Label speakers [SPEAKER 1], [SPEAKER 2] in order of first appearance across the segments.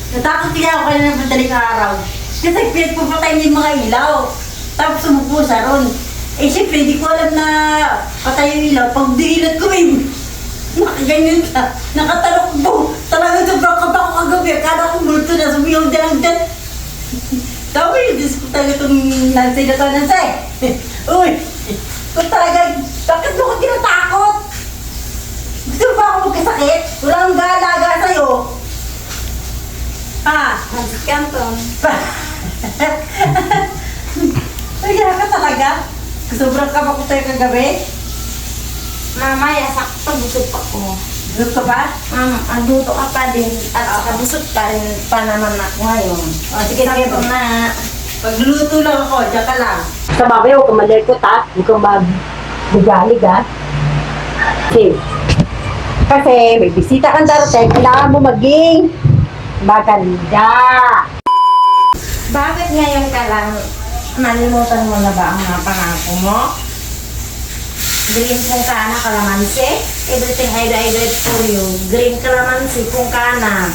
[SPEAKER 1] Natakot kaya ako kanina ng madaling araw. Kasi pinagpapatay niya yung mga ilaw. Tapos sumupo siya ron. Eh siyempre, hindi ko alam na patay yung ilaw. Pag dilat ko nakaganyan ka. Nakatalok po. Talagang sobrang kaba ko kagabi. Akala ko multo na. Sumiyaw na lang dyan. Sabi, Diyos ko talaga itong Nancy na to, Nancy. Uy, kung talaga, bakit mo ko tinatakot? Gusto mo ba ako magkasakit? Walang galaga sa'yo. Ah,
[SPEAKER 2] Nancy Canton.
[SPEAKER 1] Nagyaya ka talaga? Sobrang kaba ko tayo kagabi?
[SPEAKER 2] Mamaya, sakto busog pa ko.
[SPEAKER 1] Gusto ka ba?
[SPEAKER 2] Aduto ka pa din. At saka busog pa rin pa naman ako ngayon.
[SPEAKER 1] O, sige, sige.
[SPEAKER 2] Sakto na.
[SPEAKER 1] Pagluluto lang ako, dyan ka lang.
[SPEAKER 3] Sa babay, huwag kang malikot ha. Huwag kang mag-galig ha. Kasi may bisita kang darating, kailangan mo maging maganda.
[SPEAKER 2] Bakit ngayon ka lang nalimutan mo na ba ang mga pangako mo? Green kung kana kalamansi. Everything I did for you. Green kalamansi kung kana.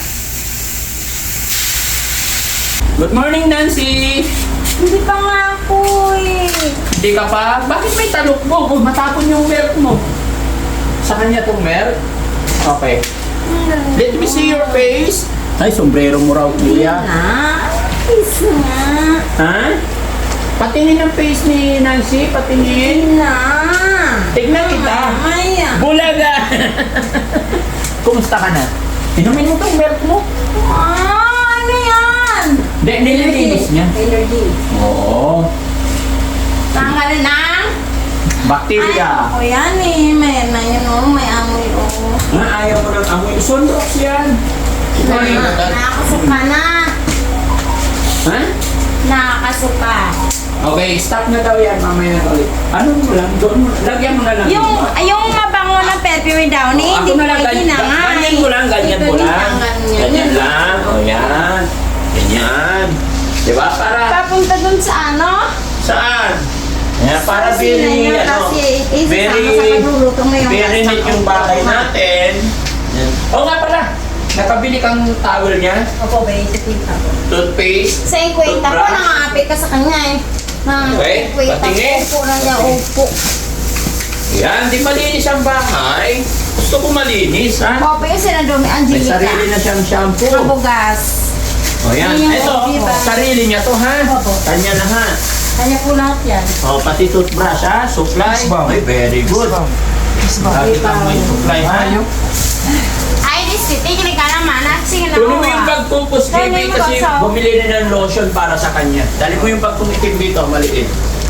[SPEAKER 4] Good morning, Nancy!
[SPEAKER 2] Hindi pa nga ako eh.
[SPEAKER 4] Hindi ka pa? Bakit may talok mo? Matapon yung milk mo. Sa kanya tong milk? Okay. Let me see your face. Ay, sombrero mo raw, kuya.
[SPEAKER 2] Peace nga.
[SPEAKER 4] Ha? Patingin ang face ni Nancy. Patingin.
[SPEAKER 2] Na.
[SPEAKER 4] Tignan kita.
[SPEAKER 2] Mamaya.
[SPEAKER 4] Bulaga! Kumusta ka na? Inumin mo tong milk mo.
[SPEAKER 2] Ano yan?
[SPEAKER 4] Nililinis niya.
[SPEAKER 1] Energy.
[SPEAKER 4] Oo.
[SPEAKER 2] Tanggal na.
[SPEAKER 4] Bacteria.
[SPEAKER 2] Ay, yan eh. May na yun oh. May amoy oh.
[SPEAKER 4] Ayaw mo ng amoy. Sunrox yan.
[SPEAKER 2] Nakakasuka na.
[SPEAKER 4] Ha?
[SPEAKER 2] Nakakasuka.
[SPEAKER 4] Okay, stop na daw yan. Mamaya na ulit. Ano mo lang? Doon mo. Lagyan mo na lang.
[SPEAKER 2] Yung mabango ng perfume daw ni, hindi
[SPEAKER 4] Ako
[SPEAKER 2] ko
[SPEAKER 4] na lang.
[SPEAKER 2] na nga.
[SPEAKER 4] Ganyan mo lang. Ganyan mo lang. Ganyan lang. O yan. Ganyan. Diba? Para...
[SPEAKER 2] Papunta dun sa ano?
[SPEAKER 4] Saan? Yan, para
[SPEAKER 2] Kasi na
[SPEAKER 4] very,
[SPEAKER 2] yun,
[SPEAKER 4] ano,
[SPEAKER 2] kasi isasama
[SPEAKER 4] very,
[SPEAKER 2] sa pagluluto ngayong
[SPEAKER 4] very
[SPEAKER 2] pasta.
[SPEAKER 4] neat yung bahay natin. Yan. Oo nga pala. Nakabili kang towel niya.
[SPEAKER 1] Opo, ba, isipin ako.
[SPEAKER 4] Toothpaste.
[SPEAKER 2] Sa ikwenta ko,
[SPEAKER 4] toothbrush.
[SPEAKER 2] nangangapit ka sa kanya eh.
[SPEAKER 4] Okay,
[SPEAKER 2] Ikwenta
[SPEAKER 4] patingin.
[SPEAKER 2] ko na niya, upo.
[SPEAKER 4] Yan, di malinis ang bahay. Gusto ko malinis, ha?
[SPEAKER 2] Opo yung sinadumi,
[SPEAKER 4] May
[SPEAKER 2] Angelica.
[SPEAKER 4] sarili na siyang shampoo.
[SPEAKER 2] Mabugas.
[SPEAKER 4] O yan.
[SPEAKER 2] Yung
[SPEAKER 4] Ito,
[SPEAKER 2] diba?
[SPEAKER 4] sarili niya to, ha? Kanya na, ha?
[SPEAKER 1] Kanya po lahat yan.
[SPEAKER 4] O, pati toothbrush, ha? Supply. Ay, very good. Lagi kang may supply, ha?
[SPEAKER 2] Ay, this city, kinig ka naman. Sige na
[SPEAKER 4] Tuloy mo yung pagpupus, baby,
[SPEAKER 2] Tuloy mo
[SPEAKER 4] kasi
[SPEAKER 2] sa-
[SPEAKER 4] bumili na ng lotion para sa kanya. Dali mo yung pagpumitim dito, maliit.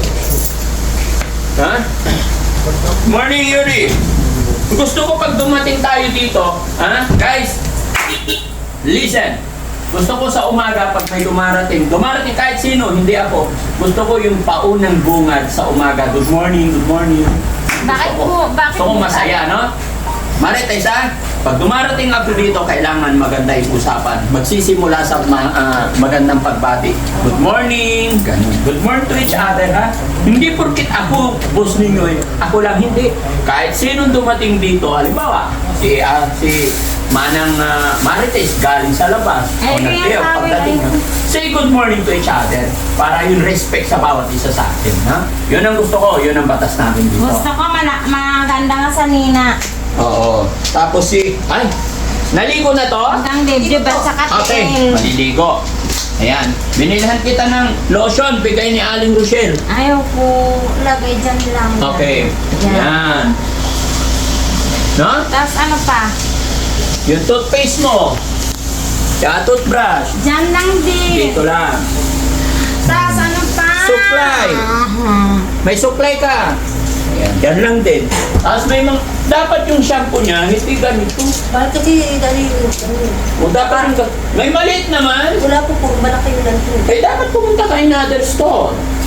[SPEAKER 4] Ha? Morning, Yuri! Gusto ko pag dumating tayo dito, ha? Guys, listen. Gusto ko sa umaga pag may dumarating kahit sino, hindi ako. Gusto ko yung paunang bungad sa umaga. Good morning, good morning.
[SPEAKER 2] Bakit po? Bakit
[SPEAKER 4] Gusto ko
[SPEAKER 2] po?
[SPEAKER 4] masaya, no? Marites, ha? Pag dumarating ako dito, kailangan maganda yung usapan. Magsisimula sa magandang pagbati. Good morning! Ganun. Good morning to each other, ha? Hindi porkit ako, boss ninyo eh. Ako lang, hindi. Kahit sinong dumating dito, halimbawa, si Manang Marites galing sa labas.
[SPEAKER 2] Ay,
[SPEAKER 4] O
[SPEAKER 2] kaya
[SPEAKER 4] nagtiyaw,
[SPEAKER 2] sabi
[SPEAKER 4] pagdating
[SPEAKER 2] na
[SPEAKER 4] nyo. Say good morning to each other para yung respect sa bawat isa sa atin, ha? Yun ang gusto ko, yun ang batas namin dito.
[SPEAKER 2] Gusto ko maganda nga sa Nina.
[SPEAKER 4] Oo. Tapos ay, naligo na to?
[SPEAKER 2] Hanggang dibdib at saka
[SPEAKER 4] Okay,
[SPEAKER 2] tiil.
[SPEAKER 4] maliligo. Ayan, binilhan kita ng lotion, bigay ni Aling Rochelle.
[SPEAKER 2] Ayaw ko lagay dyan lang.
[SPEAKER 4] Okay,
[SPEAKER 2] Yan.
[SPEAKER 4] yan. No?
[SPEAKER 2] Tapos ano pa?
[SPEAKER 4] Yung toothpaste mo. Kaya toothbrush.
[SPEAKER 2] Dyan lang din.
[SPEAKER 4] Dito lang.
[SPEAKER 2] Tapos ano pa?
[SPEAKER 4] Supply. May supply ka. Ayan, yan lang din. Tapos may mga, dapat yung shampoo niya, hindi ganito.
[SPEAKER 1] Bakit kasi dali
[SPEAKER 4] O dapat yung, may maliit naman.
[SPEAKER 1] wala po po, malaki yung lang po.
[SPEAKER 4] Eh, dapat pumunta ka in another store.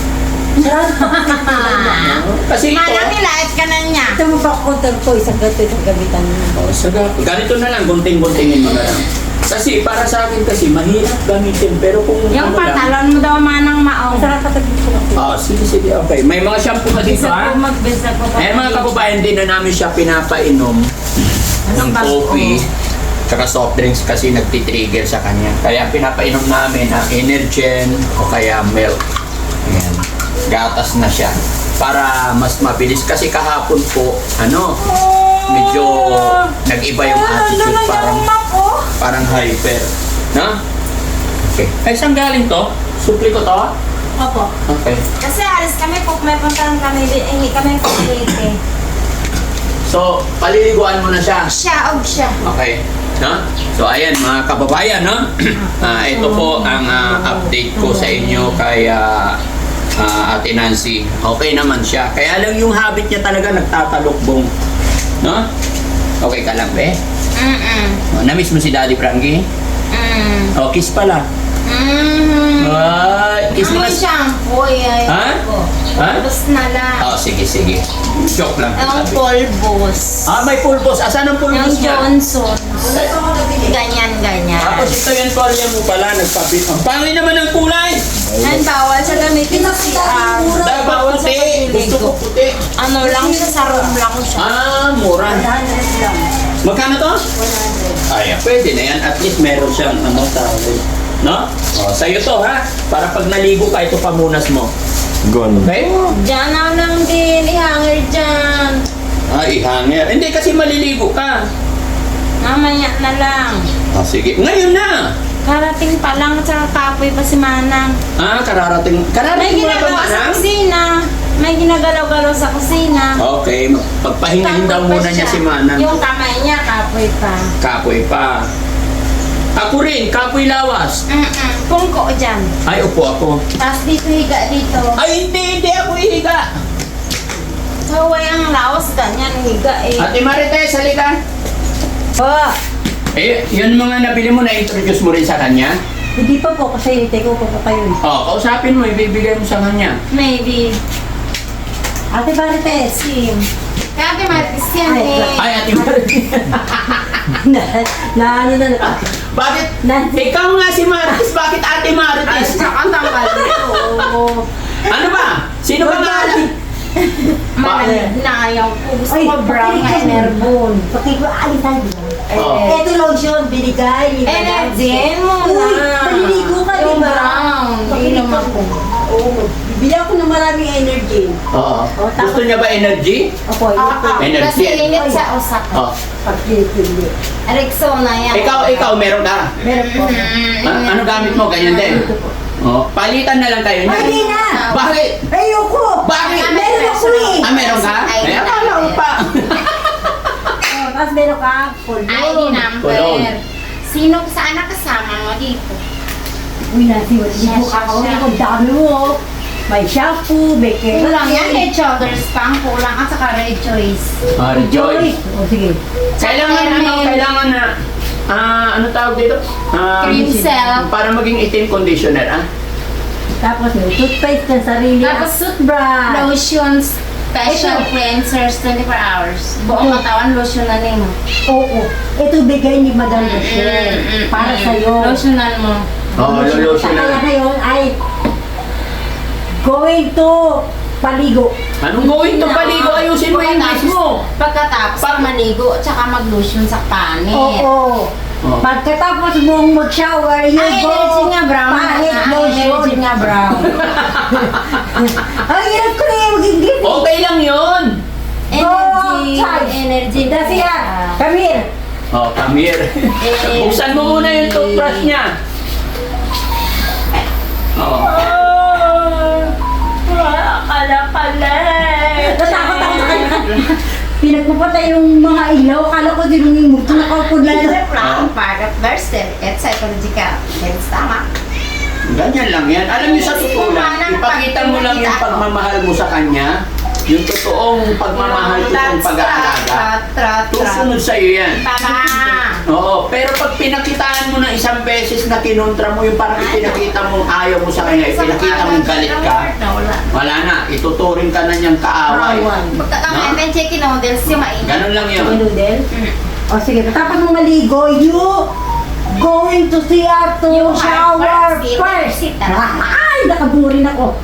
[SPEAKER 4] Kasi ito,
[SPEAKER 2] Malaki light ka na niya.
[SPEAKER 1] Ito mo pa counter ko, isang gato, isang gamitan mo.
[SPEAKER 4] ganito na lang, gunting-guntingin mo na lang. Kasi para sa akin kasi, mahirap gamitin. Pero kung
[SPEAKER 2] Yung
[SPEAKER 4] ano lang,
[SPEAKER 2] pantalon mo daw manang maong.
[SPEAKER 1] Masarap ka tabi ko ako.
[SPEAKER 4] sige, okay. May mga shampoo ka dito,
[SPEAKER 2] Bisa
[SPEAKER 4] ha?
[SPEAKER 2] po magbisa po.
[SPEAKER 4] Eh, mga kababayan, din na namin siya pinapainom ng
[SPEAKER 2] Anong bago?
[SPEAKER 4] coffee. Tsaka soft drinks kasi nagtitrigger sa kanya. Kaya pinapainom namin ang Energen o kaya milk. Ayan. Gatas na siya. Para mas mabilis. Kasi kahapon po, medyo nag-iba yung attitude. Parang hyper. Na? Okay. Ay, saan galing to? Supli ko to?
[SPEAKER 2] Opo.
[SPEAKER 4] Okay.
[SPEAKER 2] Kasi alis kami po, may puntahan kami, hindi kami pagkilite.
[SPEAKER 4] So, paliliguan mo na siya.
[SPEAKER 2] Siya, siya.
[SPEAKER 4] Okay. No? So, ayan mga kababayan, no? Ito po ang update ko sa inyo kay Ate Nancy. Okay naman siya. Kaya lang yung habit niya talaga nagtatalokbong. No? Okay ka lang, be? Na-miss mo si Daddy Frankie? O, kiss pala. Kiss mo na.
[SPEAKER 2] Ang shampoo,
[SPEAKER 4] Ha? Ha?
[SPEAKER 2] Pulbos na lang.
[SPEAKER 4] Oh, sige. Joke lang.
[SPEAKER 2] Ang
[SPEAKER 4] sabi.
[SPEAKER 2] pulbos.
[SPEAKER 4] May pulbos. Asan ang
[SPEAKER 2] Ang
[SPEAKER 4] pulbos niya?
[SPEAKER 2] Johnson. Ganyan.
[SPEAKER 4] Tapos ito yung kolya mo pala, nagpabit. Ang pangin naman ang kulay!
[SPEAKER 2] Yan, bawal sa gamitin sa CR.
[SPEAKER 4] Dapat puti. Gusto ko puti.
[SPEAKER 2] Ano lang siya, sa room lang siya.
[SPEAKER 4] Mura.
[SPEAKER 1] 100 lang.
[SPEAKER 4] Magkano to?
[SPEAKER 1] 100.
[SPEAKER 4] Ay, pwede na yan. At least meron siyang tawag. No? Sa'yo to ha. Para pag naligo ka, ito pamunas mo. Okay?
[SPEAKER 2] Diyan na lang din, ihanger dyan.
[SPEAKER 4] Ihanger. Hindi kasi maliligo ka.
[SPEAKER 2] Mamaya na lang.
[SPEAKER 4] Sige. Ngayon na!
[SPEAKER 2] Karating pa lang, tsaka kapoy pa si Manang.
[SPEAKER 4] Kararating.
[SPEAKER 2] May
[SPEAKER 4] Kararating mo na ba,
[SPEAKER 2] ginagawa sa
[SPEAKER 4] Manang?
[SPEAKER 2] kusina. May ginagalaw-galaw sa kusina.
[SPEAKER 4] Okay. Pagpahingahin daw
[SPEAKER 2] Kapoy pa
[SPEAKER 4] muna niya
[SPEAKER 2] siya.
[SPEAKER 4] si Manang.
[SPEAKER 2] Yung kamay niya, kapoy pa.
[SPEAKER 4] Kapoy pa. Ako rin, kapoy lawas.
[SPEAKER 2] Pungko dyan.
[SPEAKER 4] Ay, upo ako.
[SPEAKER 2] Tapos dito, higa dito.
[SPEAKER 4] Ay, hindi ako ihiga.
[SPEAKER 2] Haway ang lawas, ganyan, higa eh.
[SPEAKER 4] Ate Marites, halika. Yun mga nabili mo, na-introduce mo rin sa kanya?
[SPEAKER 1] Hindi pa po kasi take ko pa kayo.
[SPEAKER 4] Kausapin mo, ibibigay mo sa kanya.
[SPEAKER 2] Maybe.
[SPEAKER 1] Ate Marites.
[SPEAKER 2] Sim. Kaya ate Martis yan
[SPEAKER 1] Ay,
[SPEAKER 2] eh.
[SPEAKER 4] Ay, Ate Marites.
[SPEAKER 1] na.
[SPEAKER 4] Bakit? Ikaw nga si Marites, bakit Ate Marites?
[SPEAKER 2] Ang tanggal nito.
[SPEAKER 4] Ano ba? Sino ba nga?
[SPEAKER 2] Nayaw ko. Gusto
[SPEAKER 1] Ay,
[SPEAKER 2] ko brown na enerbon.
[SPEAKER 1] Pati ko, ay, tayo.
[SPEAKER 4] Oo.
[SPEAKER 1] Ito lotion, binigay. ni Madam.
[SPEAKER 2] Energen mo
[SPEAKER 1] Uy,
[SPEAKER 2] na.
[SPEAKER 1] paliligo ka,
[SPEAKER 2] Yung
[SPEAKER 1] di ba?
[SPEAKER 2] brown. Hindi naman ko.
[SPEAKER 1] Oo. Bibili ako ng maraming energy.
[SPEAKER 4] Oo. Gusto niya ba energy?
[SPEAKER 1] Opo, yun po.
[SPEAKER 4] Energy.
[SPEAKER 2] Kasi init sa usak.
[SPEAKER 4] Oh.
[SPEAKER 1] Pag-pili.
[SPEAKER 2] Rexona yan.
[SPEAKER 4] Ikaw, meron ka?
[SPEAKER 1] Meron po.
[SPEAKER 4] Ano gamit mo? Ganyan din? Palitan na lang kayo.
[SPEAKER 1] Ay, hindi na!
[SPEAKER 4] Bakit?
[SPEAKER 1] Ayoko!
[SPEAKER 4] Bakit?
[SPEAKER 1] Meron ako eh!
[SPEAKER 4] Meron ka?
[SPEAKER 2] Ay,
[SPEAKER 4] Akala ko pa.
[SPEAKER 1] Tapos meron ka,
[SPEAKER 2] ID
[SPEAKER 4] Kulon.
[SPEAKER 2] number. Sino saan nakasama mo dito?
[SPEAKER 1] Uy, nasiwat ka ako. Ang dami mo. May shampoo, may
[SPEAKER 2] Kulang yan, head shoulders pang kulang at saka red choice.
[SPEAKER 4] Rejoice.
[SPEAKER 1] O, sige.
[SPEAKER 4] Kailangan na, ano tawag dito?
[SPEAKER 2] Cream cell.
[SPEAKER 4] Para maging itim conditioner,
[SPEAKER 1] Tapos may toothpaste ng sarili.
[SPEAKER 2] Tapos
[SPEAKER 1] toothbrush.
[SPEAKER 2] Lotions, special cleansers, 24 hours. Buong katawan, lotion na rin mo.
[SPEAKER 1] Oo. Ito bigay ni Madam Rochelle. Para sa'yo.
[SPEAKER 2] Lotionan mo.
[SPEAKER 4] lotion
[SPEAKER 1] Kaya
[SPEAKER 4] na.
[SPEAKER 1] ngayon ay going to paligo.
[SPEAKER 4] Anong gawin to paligo? Ayusin mo yung face mo.
[SPEAKER 2] Pagkatapos maligo, tsaka mag-lotion sa panit.
[SPEAKER 1] Oo. Pagkatapos mong mag-shower, you
[SPEAKER 2] Ang
[SPEAKER 1] go
[SPEAKER 2] energy nga brown.
[SPEAKER 1] pahit
[SPEAKER 2] Ang
[SPEAKER 1] lotion.
[SPEAKER 2] energy nga brown.
[SPEAKER 1] Ang hirap ko na yung maging gift.
[SPEAKER 4] Okay lang yun.
[SPEAKER 2] Energy.
[SPEAKER 1] That's it. Come here.
[SPEAKER 4] Come here. Buksan mo muna yung toothbrush niya.
[SPEAKER 1] Natakot ako sa kanya. Pinagpapatay yung mga ilaw. Akala ko din yung multo na kapod lang.
[SPEAKER 2] Plan, part of birth certificate, psychological. Health tama.
[SPEAKER 4] Ganyan lang yan. Alam niyo sa totoo lang, ipakita mo lang yung pagmamahal mo sa kanya, yung totoong pagmamahal, totoong pag-aalaga. Tusunod sa'yo yan.
[SPEAKER 2] Tama.
[SPEAKER 4] Oo, pero pag pinakitaan mo ng isang beses na kinontra mo, yung parang ipinakita mo ayaw mo sa kanya, ipinakita mong galit ka, wala na, ituturing ka na niyang kaaway.
[SPEAKER 2] Pagkakamain ng chicken noodles, yung mainit.
[SPEAKER 4] Ganun lang yun.
[SPEAKER 1] Noodle? O sige, tapos mong maligo, you going to see her to
[SPEAKER 2] You
[SPEAKER 1] shower
[SPEAKER 2] sit,
[SPEAKER 1] first.
[SPEAKER 2] sit.
[SPEAKER 1] Ay, nakaburin ako.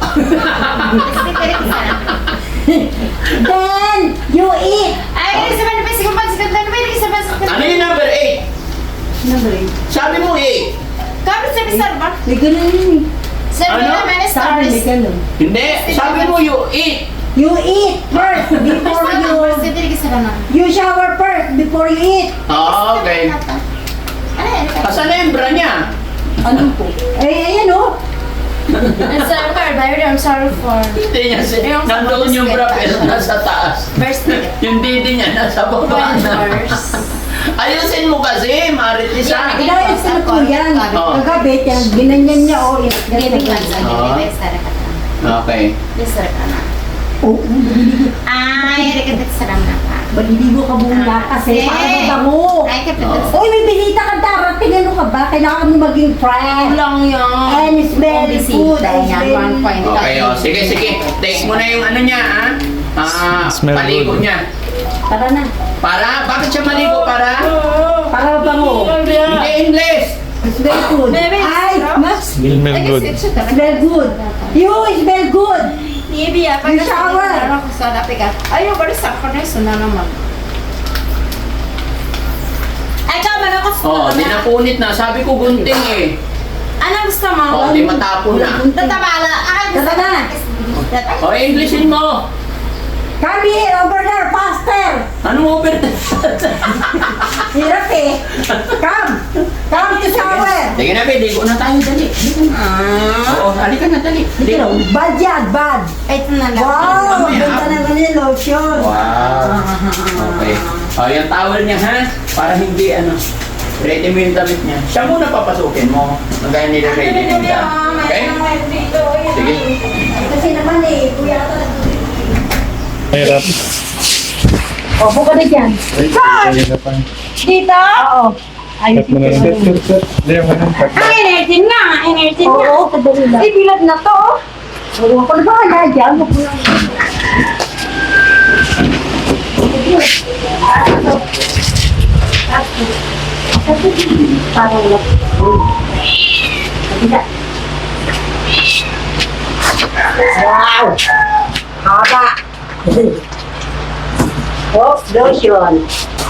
[SPEAKER 1] Then, you eat.
[SPEAKER 2] Ay, isa ba na pa? Sige pa, sige pa.
[SPEAKER 4] Ano yung number 8?
[SPEAKER 1] Naman.
[SPEAKER 4] Sabi mo eh.
[SPEAKER 2] Kami sa Bisar ba?
[SPEAKER 1] May ganun yun eh.
[SPEAKER 2] Sir,
[SPEAKER 4] Ano?
[SPEAKER 2] naman is
[SPEAKER 1] Sabi may ganun.
[SPEAKER 4] Hindi. Sabi mo you eat.
[SPEAKER 1] You eat first before you shower first before you eat.
[SPEAKER 4] Ah, okay.
[SPEAKER 2] Ano yan?
[SPEAKER 4] Asan na yung bra niya?
[SPEAKER 1] Ano po? Ayan oh.
[SPEAKER 2] I'm sorry for, I'm sorry for.
[SPEAKER 4] Hindi niya
[SPEAKER 2] Yung sa
[SPEAKER 4] nandoon yung bra
[SPEAKER 2] basket.
[SPEAKER 4] pero nasa taas.
[SPEAKER 2] First
[SPEAKER 4] Yung didi niya nasa baba na. Ayusin mo kasi, Maritisa.
[SPEAKER 1] Inayos na po yan.
[SPEAKER 4] Oo.
[SPEAKER 1] Kagabi, ginanyan niya oh.
[SPEAKER 2] Giving man sa
[SPEAKER 4] Ah.
[SPEAKER 2] giving sir ka na.
[SPEAKER 4] Okay.
[SPEAKER 2] Sir ka na.
[SPEAKER 1] Oh,
[SPEAKER 2] Ay, rekadit sa ram na ka.
[SPEAKER 1] maliligo ka muna kasi para mo.
[SPEAKER 2] Ay, kapit
[SPEAKER 4] Oo.
[SPEAKER 1] Uy, may bisita ka darating. Ano ka ba? Kailangan mo maging friend.
[SPEAKER 2] lang yan.
[SPEAKER 1] And it's very good. It's very
[SPEAKER 4] Okay, oh. Sige, sige. Take mo na yung ano niya, ha?
[SPEAKER 5] Smell
[SPEAKER 4] Paligo
[SPEAKER 5] good.
[SPEAKER 4] niya.
[SPEAKER 1] Para na.
[SPEAKER 4] Para? Bakit siya maligo? Para?
[SPEAKER 1] Para ba mo?
[SPEAKER 4] Hindi English.
[SPEAKER 1] It's very good. Ay, mas
[SPEAKER 5] Smell good.
[SPEAKER 1] smell good. You smell good.
[SPEAKER 2] Ibi,
[SPEAKER 1] You shower.
[SPEAKER 2] Ano ko sa dapi ka? Ayaw, bari sa ako na yun na naman. Ay, ka, man ako sa
[SPEAKER 4] Oh, di napunit na. Sabi ko gunting eh.
[SPEAKER 2] Ano gusto mo?
[SPEAKER 4] Oh, di matapon na.
[SPEAKER 2] Tatabala. Ay, gusto
[SPEAKER 1] Tara na.
[SPEAKER 4] Oh, Englishin mo.
[SPEAKER 1] Come here, over there, faster.
[SPEAKER 4] Anong over?
[SPEAKER 1] Hirap eh. Come. Come to shower.
[SPEAKER 4] Sige na, be. Ligo na tayo. Dali. Oo, halika na. Dali. Ligo.
[SPEAKER 1] Bad yan, bad.
[SPEAKER 2] Ito na lang.
[SPEAKER 1] Wow,
[SPEAKER 4] Mamaya.
[SPEAKER 1] ganda naman yung lotion.
[SPEAKER 4] Wow. Okay. Oh, yung towel niya, ha? Para hindi, ano, ready mo yung damit niya. Siya muna papasukin mo. Magaya nila ready mo siya. Okay? Sige.
[SPEAKER 1] Kasi naman eh, kuya ka
[SPEAKER 5] Mahirap.
[SPEAKER 1] Opo ka na dyan.
[SPEAKER 5] Mahirapan.
[SPEAKER 1] Dito? Oo.
[SPEAKER 5] Cut mo na lang. Cut. Hindi, ako na. Cut.
[SPEAKER 2] Energy nga, energy
[SPEAKER 1] Oo, kadali lang.
[SPEAKER 2] Ibilad na to.
[SPEAKER 1] Oo, ako na ba kaya dyan? Huwag mo lang. Parang wala. Kabila. Wow! Haba! Oh, lotion.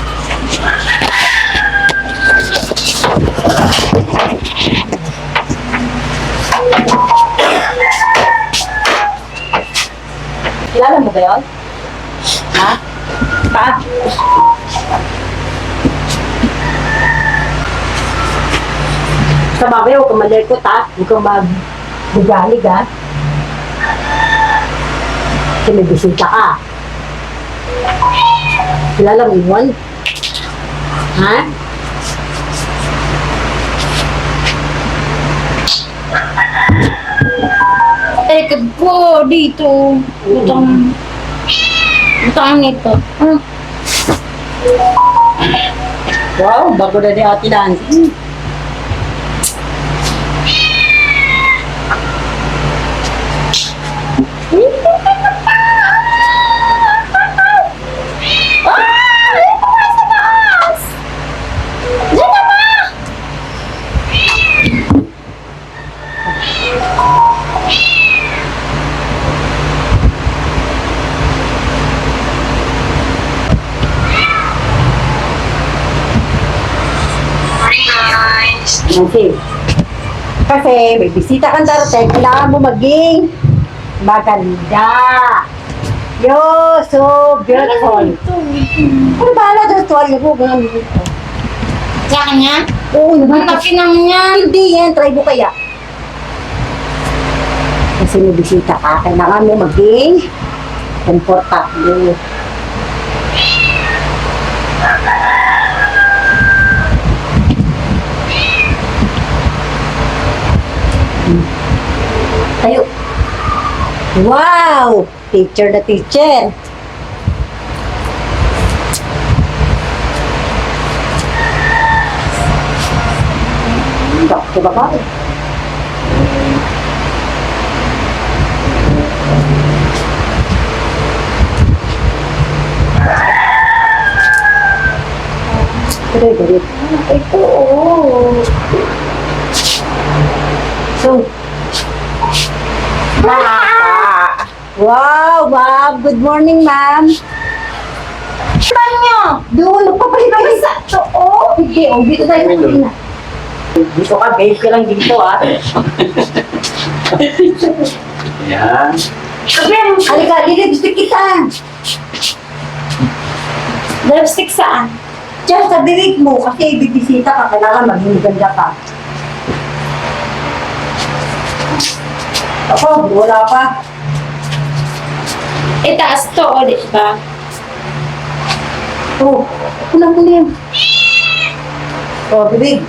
[SPEAKER 1] Kilala mo ba yun? Ha? Pa? Sa babay, huwag kang malikot ha. Huwag kang magbugalig ha. Kasi may bisita ka. Kilala mo yun? Ha?
[SPEAKER 2] Rekad ko dito. Butang nito.
[SPEAKER 1] Wow, bago na ni Ate Nancy. Nancy, kasi may bisita kang darating, kailangan mo maging maganda. You're so beautiful. Ano bahala doon? Tuwalya mo, ganun dito.
[SPEAKER 2] Sa kanya?
[SPEAKER 1] Oo naman.
[SPEAKER 2] Ang laki ng yan.
[SPEAKER 1] Hindi yan, try mo kaya. Kasi may bisita ka, kailangan mo maging komportable. Tayo. Wow! Teacher na teacher. Bakit ba ba? Pero, ito, oh. So, wow, ma'am. Good morning, ma'am.
[SPEAKER 2] Saan nyo?
[SPEAKER 3] Doon, nagpapalit sa oo. Hindi, dito tayo kanina. Dito ka, babe ka lang dito ah.
[SPEAKER 4] Yan.
[SPEAKER 3] Halika, lilipstick kita.
[SPEAKER 2] Lipstick saan?
[SPEAKER 3] Diyan sa bibig mo, kasi bibisita ka, kailangan maging ganda ka. Ako, wala pa.
[SPEAKER 2] Itaas to, o di ba?
[SPEAKER 3] Oh, kulang mo na yan. Oh, bibig.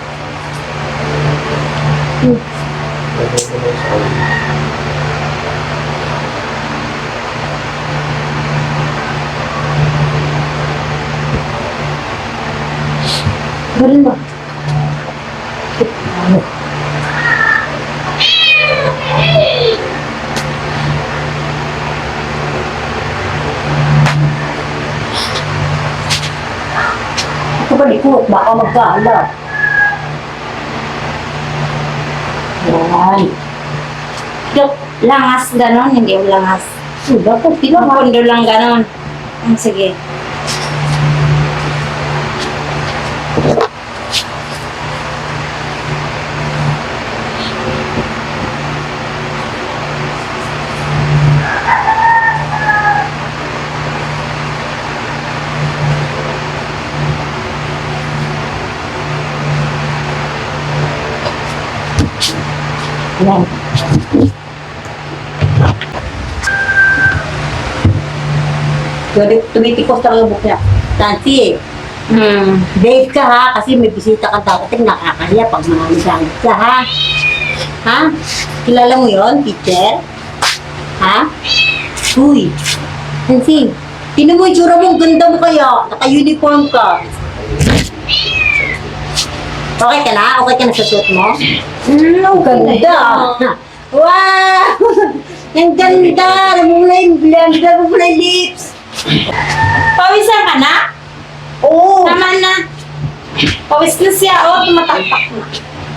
[SPEAKER 3] Ganun ba? Ito ba likot? Baka magkaala. Yan.
[SPEAKER 2] Yung langas ganon, hindi yung langas.
[SPEAKER 3] Sudah po,
[SPEAKER 2] Yung
[SPEAKER 3] tinama.
[SPEAKER 2] pundo lang ganon. Sige.
[SPEAKER 3] Yan. Tumitikos lang yung book niya. Nancy, babe ka ha, kasi may bisita ka darating, nakakahiya pag manaligamit ka ha. Ha? Kilala mo yon, teacher? Ha? Uy, Nancy, tinan mo yung tsura mo, ang ganda mo kaya, naka-uniform ka. Okay ka na? Okay ka na sa suit mo? Ang ganda! Wow! Ang ganda! Namumula yung blend, namumula yung lips.
[SPEAKER 2] Pawisan ka na?
[SPEAKER 3] Oo!
[SPEAKER 2] Tama na. Pawis na siya, o, tumataktak na.